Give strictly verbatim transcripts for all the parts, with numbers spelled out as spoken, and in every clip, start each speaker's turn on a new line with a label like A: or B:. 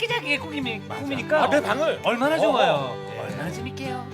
A: 아기자기의 꿈이, 꿈이니까
B: 아, 내 방을
A: 얼마나
B: 어,
A: 좋아요.
B: 어. 네.
A: 얼마나 재밌게요.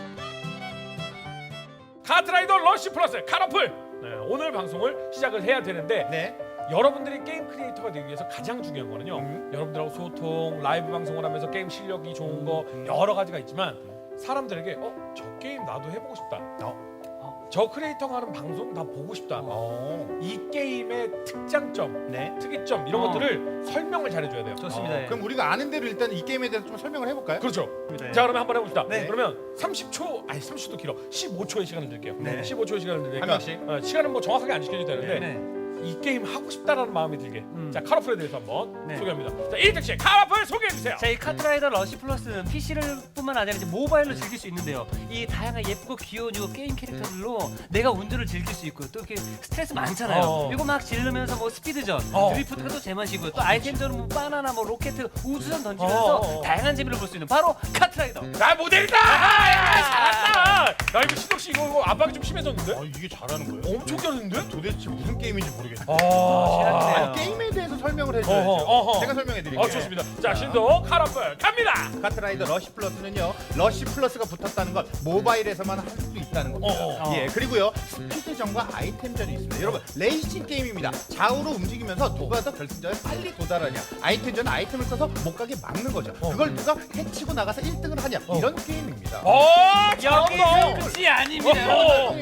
B: 카트라이더 러쉬 플러스 카라풀. 네, 오늘 방송을 시작을 해야 되는데
C: 네.
B: 여러분들이 게임 크리에이터가 되기 위해서 가장 중요한 거는요.
C: 음.
B: 여러분들하고 소통, 라이브 방송을 하면서 게임 실력이 좋은 거 여러 가지가 있지만 사람들에게 어, 저 게임 나도 해보고 싶다.
C: 어.
B: 저 크리에이터가 하는 방송 다 보고 싶다.
C: 어.
B: 이 게임의 특장점,
C: 네.
B: 특이점 이런
A: 어.
B: 것들을 설명을 잘해줘야 돼요.
A: 좋습니다.
C: 어,
A: 예.
C: 그럼 우리가 아는 대로 일단 이 게임에 대해서 좀 설명을 해볼까요?
B: 그렇죠.
A: 네.
B: 자 그러면 한번 해봅시다.
C: 네.
B: 그러면 삼십 초, 아니 삼십 초도 길어. 십오 초의 시간을 드릴게요.
C: 네.
B: 십오 초의 시간을 드리니까
C: 한 명씩.
B: 어, 시간은 뭐 정확하게 안 지켜도 되는데
A: 네.
B: 이 게임 하고 싶다라는 마음이 들게.
A: 음.
B: 자 카라풀에 대해서 한번
A: 네.
B: 소개합니다. 자 이득 씨 카라풀 소개해 주세요.
A: 자, 이 카트라이더 러쉬 플러스는 피시를 뿐만 아니라 이제 모바일로 즐길 수 있는데요. 이 다양한 예쁘고 귀여운 이 게임 캐릭터들로 내가 운전을 즐길 수 있고 또 이렇게 스트레스 많잖아요.
B: 어.
A: 이거 막 지르면서 뭐 스피드전,
B: 어.
A: 드리프트가 또 제맛이고 또 아이템전은 뭐 바나나, 뭐 로켓, 우주선 던지면서
B: 어, 어, 어.
A: 다양한 재미를 볼 수 있는 바로 카트라이더.
B: 나 모델이다. 아, 잘한다. 나 이거 신동 씨 이거, 이거 압박이 좀 심해졌는데?
C: 아, 이게 잘하는 거예요?
B: 엄청 잘했는데?
C: 도대체 무슨 게임인지 모르겠네.
B: 아,
A: 시작이네요.
C: 아니, 게임에 대해서 설명을 해줘야죠.
B: 어허, 어허.
C: 제가 설명해 드릴게요.
B: 아 좋습니다. 자 신동 카라풀 갑니다.
C: 카트라이더 러쉬 플러스는요, 러쉬 플러스가 붙었다는 건 모바일에서만 할 수 있다는 겁니다.
B: 어,
A: 어.
C: 예, 그리고요 스피드전과 아이템전이 있습니다. 여러분 레이싱 게임입니다. 좌우로 움직이면서 누가 더 결승전에 빨리 도달하냐, 아이템전은 아이템을 써서 못 가게 막는 거죠.
B: 어.
C: 그걸 누가 해치고 나가서 일 등을 하냐,
B: 어.
C: 이런 게임입니다.
B: 어,
A: 여기서
B: 잘한다.
A: 끝이 아닙니다.
B: 어허.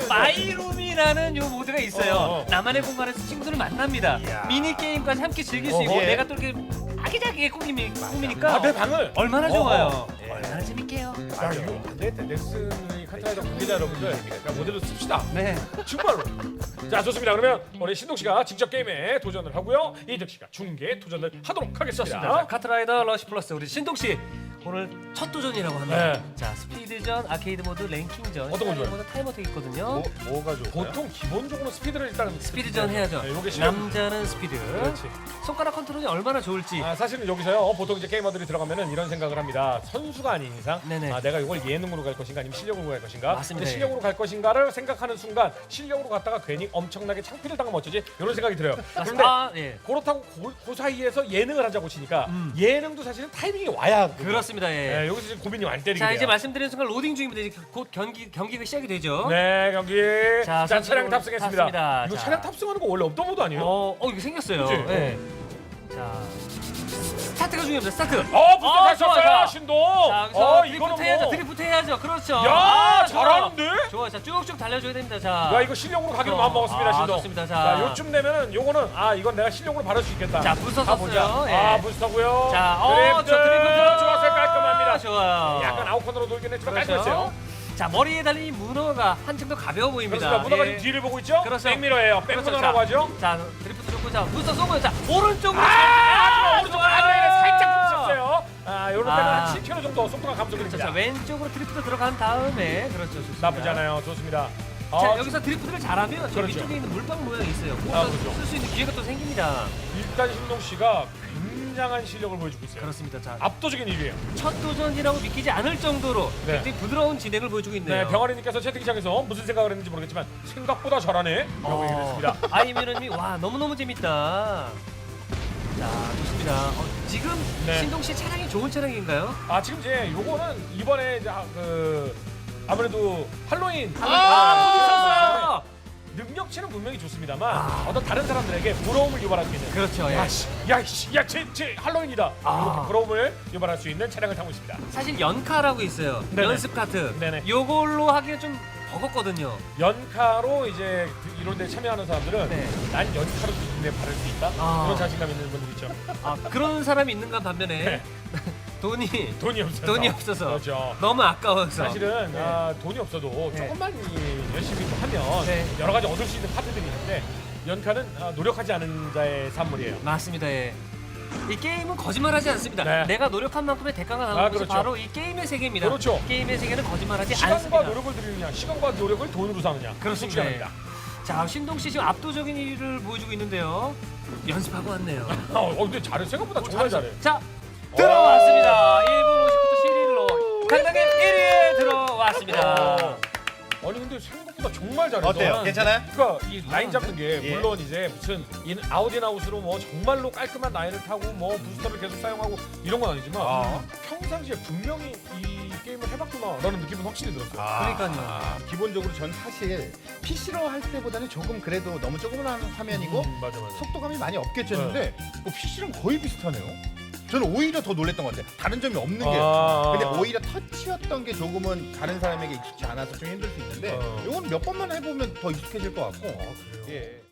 A: 마이룸이라는 요 모드가 있어요.
B: 어, 어.
A: 나만의 공간에서 친구들을 만납니다.
C: 이야.
A: 미니 게임까지 함께 즐길 수
B: 어,
A: 있고
C: 예.
A: 내가 또 이렇게 아기자기의 꿈이, 꿈이니까
B: 아, 내 방을
A: 얼마나
B: 어허.
A: 좋아요.
C: 예.
A: 얼마나 재밌게요.
B: 야 이거 안 되겠다. 넥슨의 카트라이더 관계자 여러분들 그냥 모델로 씁시다.
A: 네.
B: 정말로. 자 좋습니다. 그러면 우리 신동 씨가 직접 게임에 도전을 하고요. 이득 씨가 중계에 도전을 하도록 하겠습니다.
A: 자, 카트라이더 러쉬 플러스 우리 신동 씨 오늘 첫 도전이라고 합니다.
B: 네.
A: 자, 스피드전, 아케이드 모드, 랭킹전,
B: 어떤 거 좋아요?
A: 모드, 타이머 되게 있거든요.
C: 뭐, 뭐가 좋을까요?
B: 보통 기본적으로 스피드를 일단
A: 스피드전 해야죠.
B: 네, 요게 실력.
A: 남자는 스피드.
B: 그렇지.
A: 손가락 컨트롤이 얼마나 좋을지.
B: 아 사실은 여기서요 어, 보통 이제 게이머들이 들어가면은 이런 생각을 합니다. 선수가 아닌 이상
A: 네네.
B: 아, 내가 이걸 예능으로 갈 것인가 아니면 실력으로 갈 것인가.
A: 맞습니다.
B: 근데 실력으로 갈 것인가를 생각하는 순간 실력으로 갔다가 괜히 엄청나게 창피를 당하면 어쩌지 이런 생각이 들어요. 그런데
A: 아, 예.
B: 그렇다고 그, 그 사이에서 예능을 하자고 치니까
A: 음.
B: 예능도 사실은 타이밍이 와야 하거든요.
A: 그렇습니다. 예.
B: 네, 여기서 지금 고민이 많이 때리게
A: 자,
B: 돼요.
A: 이제 말씀드린 순간 로딩 중입니다. 이제 곧 경기 경기가 시작이 되죠.
B: 네 경기.
A: 자,
B: 자, 차량
A: 선수들
B: 탑승했습니다.
A: 탔습니다.
B: 이거
A: 자.
B: 차량 탑승하는 거 원래 없던 모드 아니에요?
A: 어, 어 이거 생겼어요.
B: 그치?
A: 예. 자, 스타트가 중요합니다. 스타트.
B: 어 부터
A: 어,
B: 잘
A: 좋아,
B: 썼어요
A: 좋아.
B: 신동.
A: 자, 여기서
B: 어
A: 드리프트
B: 이거는
A: 해야죠.
B: 뭐.
A: 드리프트 해야죠. 그렇죠.
B: 야
A: 아, 좋아.
B: 잘하는데?
A: 좋아. 자, 쭉쭉 달려줘야 됩니다. 자.
B: 야 이거 실력으로 가기로
A: 어.
B: 마음 먹었습니다
A: 아,
B: 신동.
A: 좋습니다. 자.
B: 자 요쯤 되면은 요거는 아 이건 내가 실력으로 바를 수 있겠다.
A: 자, 부스터
B: 가보자.
A: 썼어요. 예.
B: 아 부스터고요.
A: 자, 어,
B: 드리프트.
A: 저 드리프트
B: 좋았어요 깔끔합니다.
A: 좋아요.
B: 약간 아웃컨으로 돌긴 했지만
A: 그렇죠.
B: 깔끔했어요.
A: 자, 머리에 달린 이 문어가 한층 더 가벼워 보입니다.
B: 그렇습니다. 문어가
A: 예.
B: 지금 뒤를 보고 있죠?
A: 그렇죠.
B: 백미러예요.
A: 그렇죠.
B: 백문어라고
A: 자,
B: 하죠.
A: 자, 드리프트 좋고 자, 부스터 쏘고요. 자, 오른쪽으로
B: 아, 오른쪽
A: 좋아요.
B: 안면에 살짝 부딪혔어요. 아, 요런 때는
A: 아.
B: 한 칠 킬로미터 정도 속도가
A: 그렇죠.
B: 감소됩니다.
A: 자, 왼쪽으로 드리프트 들어간 다음에 그렇죠. 좋습니다.
B: 나쁘지 않아요. 좋습니다.
A: 자,
B: 어,
A: 여기서 드리프트를 잘하면 저
B: 그렇죠.
A: 위쪽에 있는 물방 모양이 있어요. 그거
B: 아, 그렇죠.
A: 쓸 수 있는 기회가 또 생깁니다.
B: 일단 신동 씨가 굉장한 실력을 보여주고 있어요.
A: 그렇습니다. 자,
B: 압도적인 일 위예요.
A: 첫 도전이라고 믿기지 않을 정도로
B: 네.
A: 굉장히 부드러운 진행을 보여주고 있네요.
B: 네, 병아리님께서 채팅창에서 무슨 생각을 했는지 모르겠지만 생각보다 잘하네. 라고 얘기를 했습니다.
A: 아이미런님이 와 너무너무 재밌다. 자, 좋습니다. 어, 지금
B: 네.
A: 신동 씨 차량이 좋은 차량인가요?
B: 아, 지금 이제 요거는 이번에 이제 아, 그 아무래도 할로윈
A: 아,
B: 아, 능력치는 분명히 좋습니다만 어떤 다른 사람들에게 부러움을 유발할 수 있는
A: 그렇죠. 예.
B: 야씨 야씨 야제 제 할로윈이다
A: 아.
B: 이렇게 부러움을 유발할 수 있는 차량을 타고 있습니다.
A: 사실 연카라고 있어요.
B: 네네.
A: 연습 카트.
B: 네네.
A: 요걸로 하기엔 좀 버겁거든요.
B: 연카로 이제 그 이런 데 참여하는 사람들은
A: 네.
B: 난 연카로 기준에 바를 수 있다
A: 아.
B: 그런 자신감 있는 분들 있죠.
A: 아, 그런 사람이 있는가 반면에
B: 네.
A: 돈이
B: 돈이 없어서
A: 돈이 없어서
B: 그렇죠.
A: 너무 아까워서
B: 사실은
A: 네.
B: 아, 돈이 없어도
A: 네.
B: 조금만 이- 열심히 또 하면
A: 네.
B: 여러 가지 얻을 수 있는 파트들이 있는데 연카는 아, 노력하지 않은 자의 산물이에요.
A: 맞습니다. 예. 이 게임은 거짓말하지 않습니다.
B: 네.
A: 내가 노력한 만큼의 대가가 나오는
B: 아,
A: 것이
B: 그렇죠.
A: 바로 이 게임의 세계입니다.
B: 그렇죠.
A: 게임의 세계는 거짓말하지
B: 시간과
A: 않습니다.
B: 노력을 들이느냐 시간과 노력을 돈으로 사느냐
A: 그렇습니다.
B: 중요합니다.
A: 자, 신동 씨 지금 압도적인 일을 보여주고 있는데요. 연습하고 왔네요.
B: 어, 근데 잘해 생각보다 정말 잘해.
A: 자, 들어왔습니다. 일 분 오십구 초 칠 일로 강당의 일 위에 들어왔습니다.
B: 아니 근데 생각보다 정말 잘해서
C: 어때요? 괜찮아요?
B: 그러니까 이 라인 잡는 게
C: 예.
B: 물론 이제 무슨 인 아웃인아웃으로 뭐 정말로 깔끔한 라인을 타고 뭐 부스터를 계속 사용하고 이런 건 아니지만
C: 아.
B: 평상시에 분명히 이 게임을 해봤구나라는 느낌은 확실히 들었어요.
A: 그러니까요.
C: 기본적으로 전 사실 피시로 할 때보다는 조금 그래도 너무 조그만 화면이고
B: 음, 맞아 맞아.
C: 속도감이 많이 없겠죠 했는데 뭐 피시랑 거의 비슷하네요. 저는 오히려 더 놀랬던 것 같아요. 다른 점이 없는 게.
B: 아.
C: 근데 오히려 터치였던 게 조금은 다른 사람에게 익숙지 않아서 좀 힘들 수 있는데
B: 어.
C: 이건 몇 번만 해보면 더 익숙해질 것 같고.
B: 아, 그래요?
C: 예.